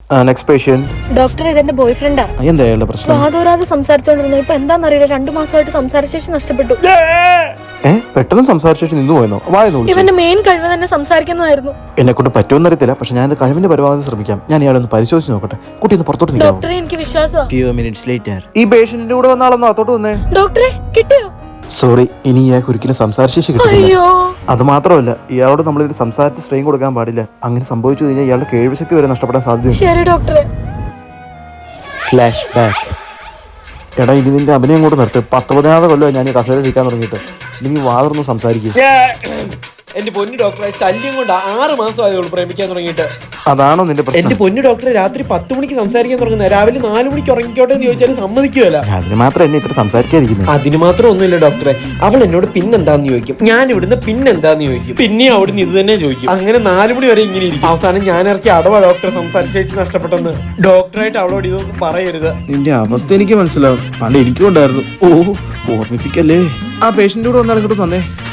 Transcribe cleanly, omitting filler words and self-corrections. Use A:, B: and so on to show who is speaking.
A: Next patient.
B: Doctor ഇതെന്റെ boy ഫ്രണ്ടാ.
A: എന്താ അയാളുടെ പ്രശ്നം?
B: വാതോരാതെ സംസാരിച്ചോണ്ടിരുന്നു. ഇപ്പൊ എന്താന്നറിയില്ല, 2 മാസമായിട്ട് സംസാരശേഷി നഷ്ടപ്പെട്ടു.
A: പെട്ടെന്ന് സംസാരിച്ചു നിന്ന് പോയെന്നോ? വായനോ?
B: ഇവന്റെ മെയിൻ കഴിവ് തന്നെ സംസാരിക്കുന്നതായിരുന്നു.
A: എന്നെ കൊണ്ട് പറ്റുമെന്ന് അറിയത്തില്ല, പക്ഷെ ഞാൻ കഴിവിന്റെ പരമാവധി ശ്രമിക്കാം. ഞാൻ ഇയാളെ ഒന്ന് പരിശോധിച്ച് നോക്കട്ടെ. കുട്ടി ഒന്ന് പുറത്തോട്ട്
B: ഡോക്ടറെ, എനിക്ക് വിശ്വാസമാണ്.
A: ഈ പേഷ്യന്റിന്റെ കൂടെ വന്ന ആളൊന്ന് അകത്തോട്ട് വന്നേ.
B: ഡോക്ടറെ കിട്ടിയോ?
A: സോറി, ഇനി ഇയാൾക്ക് ഒരിക്കലും സംസാരശേഷി കിട്ടില്ല.
B: അയ്യോ,
A: അത് മാത്രമല്ല, ഇയാളോട് നമ്മളിത് സംസാരിച്ച് സ്ട്രെയിൻ കൊടുക്കാൻ പാടില്ല. അങ്ങനെ സംഭവിച്ചു കഴിഞ്ഞാൽ ഇയാളുടെ കേൾവിശക്തി വരെ നഷ്ടപ്പെടാൻ സാധ്യതയുണ്ട്.
B: ശരി ഡോക്ടറെ.
A: Flashback. എടാ, ഇനി നിന്റെ അഭിനയം കൂടെ നിർത്ത്. 19 കൊല്ലം ഞാൻ ഈ കസേരയിൽ ഇരിക്കാൻ തുടങ്ങിയിട്ട്. ഇനി വാതിർന്നു സംസാരിക്കും.
C: എന്റെ പൊന്നു ഡോക്ടറെ, ശല്യം കൊണ്ട് 6 മാസമായതുള്ളൂ പ്രേമിക്കാൻ തുടങ്ങിയിട്ട്.
A: അതാണോ നിന്റെ പ്രശ്നം?
C: എന്റെ പൊന്നു ഡോക്ടറെ, രാത്രി 10 മണിക്ക് സംസാരിക്കാൻ തുടങ്ങുന്നത് രാവിലെ 4 മണിക്ക് ഉറങ്ങിക്കോട്ടെ എന്ന് ചോദിച്ചാൽ സമ്മതിക്കുമല്ല.
A: അതിന് മാത്രം എന്നെ ഇത്ര സംസാരിക്കാതിരിക്കുന്നത്.
C: അതിന് മാത്രം ഒന്നുമില്ല ഡോക്ടറെ. അവൾ എന്നോട് പിന്നെന്താന്ന് ചോദിക്കും, ഞാൻ ഇവിടുന്ന് പിന്നെന്താന്ന് ചോദിക്കും, പിന്നെ അവിടുന്ന് ഇത് തന്നെ ചോദിക്കും. അങ്ങനെ 4 മണി വരെ ഇങ്ങനെ ഇരിക്കും. അവസാനം ഞാൻ ഇറക്കി അടവാ ഡോക്ടറെ സംസാരിച്ചേച്ച് നഷ്ടപ്പെട്ടെന്ന്. ഡോക്ടറായിട്ട് അവളോട് ഇതൊന്നും പറയരുത്.
A: നിന്റെ അവസ്ഥ എനിക്ക് മനസ്സിലാവും. പണ്ട് എനിക്കും ഉണ്ടായിരുന്നു. ഓർമ്മിപ്പിക്കല്ലേ. ആ പേഷ്യന്റ് കൂടെ വന്നാൽ ഇങ്ങോട്ട് വന്നേ.